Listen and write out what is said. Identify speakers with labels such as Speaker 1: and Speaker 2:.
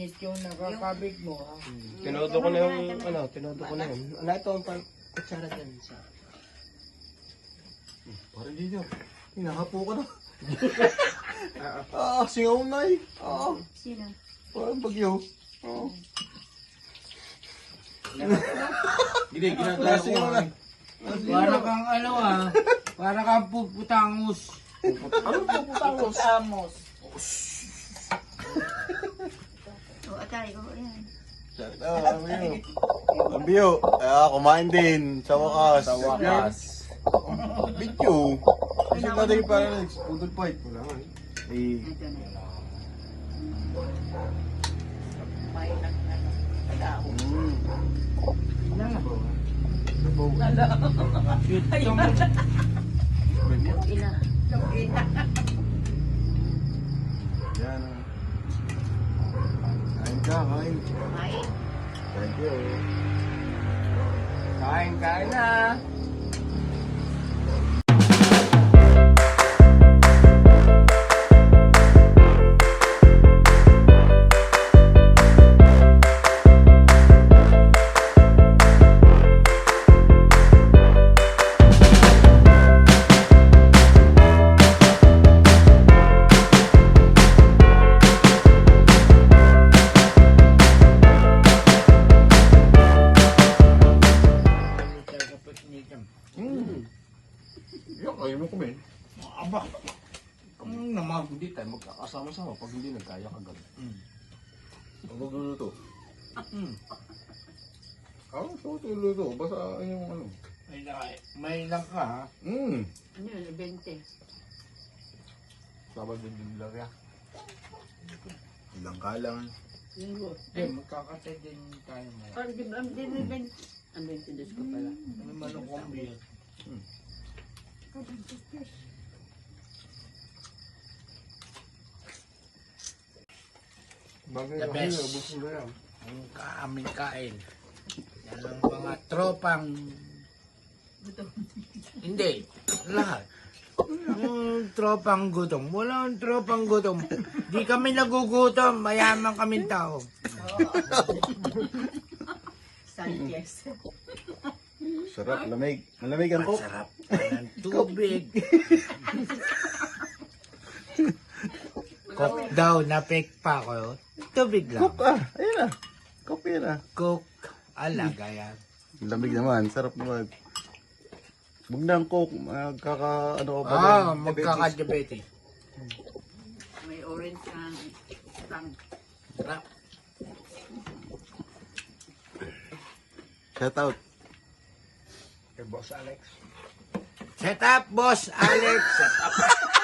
Speaker 1: malinis yung nakakabig mo, ha?
Speaker 2: Tinodo ko na yung, tinodo ko na yun. Ano ito ang kutsara dyan sa...
Speaker 3: Parang dito. Hinahapo ka na. Singaw na eh.
Speaker 4: Sino?
Speaker 3: Parang bagyo. Hindi, ginagawa ko nga.
Speaker 1: Para kang para kang puputangos.
Speaker 3: Ano po putangos?
Speaker 1: Puputamos.
Speaker 4: O, atay ko. Ayan.
Speaker 3: Ang biyo. Kumain din. Sa wakas. Sa wakas. Video. Kasi natin yung parang pudol fight. Wala nga eh.
Speaker 4: Ito na.
Speaker 1: May nagtao.
Speaker 4: Ina.
Speaker 3: Yan. Kain ka, kain.
Speaker 4: Kain.
Speaker 3: Thank you.
Speaker 2: Kain na!
Speaker 3: Yan, ayaw mo kumain.
Speaker 1: Aba. Naman.
Speaker 3: Hindi tayo magkakasama-sama pag hindi nagkaya kagabi. Ang magluluto. So luluto. Basta yung ano.
Speaker 1: May lang ka, ha?
Speaker 4: Ano yun? 20.
Speaker 3: Sabag din lang ya. Ilang ka lang.
Speaker 4: Linggo.
Speaker 1: Magkakatay din tayo mo.
Speaker 4: Parang di ba? Ang 20. Ang 22 ko pala.
Speaker 1: May manok kombi yan.
Speaker 3: Bagay
Speaker 1: The best. Ang aming kain. Yan ang mga tropang... Hindi. Lahat. Yung tropang gutom. Walang tropang gutom. Di kami nagugutom. Mayaman kaming tao.
Speaker 4: Sanchez.
Speaker 3: Sarap, lamig. Malamig ang coke.
Speaker 1: Masarap ng tubig. Coke daw. Na-fake pa ako. Tubig lang.
Speaker 3: Coke ayun na. Coke yun
Speaker 1: Coke. Alaga yan.
Speaker 3: Lamig naman, sarap naman. Huwag na ang coke, magkaka-ano ka pa din.
Speaker 1: Magkakadiabetes.
Speaker 4: May orange ang tang.
Speaker 1: Sarap.
Speaker 3: Shout out.
Speaker 1: Kay Boss Alex. Set up, Boss Alex. Set up.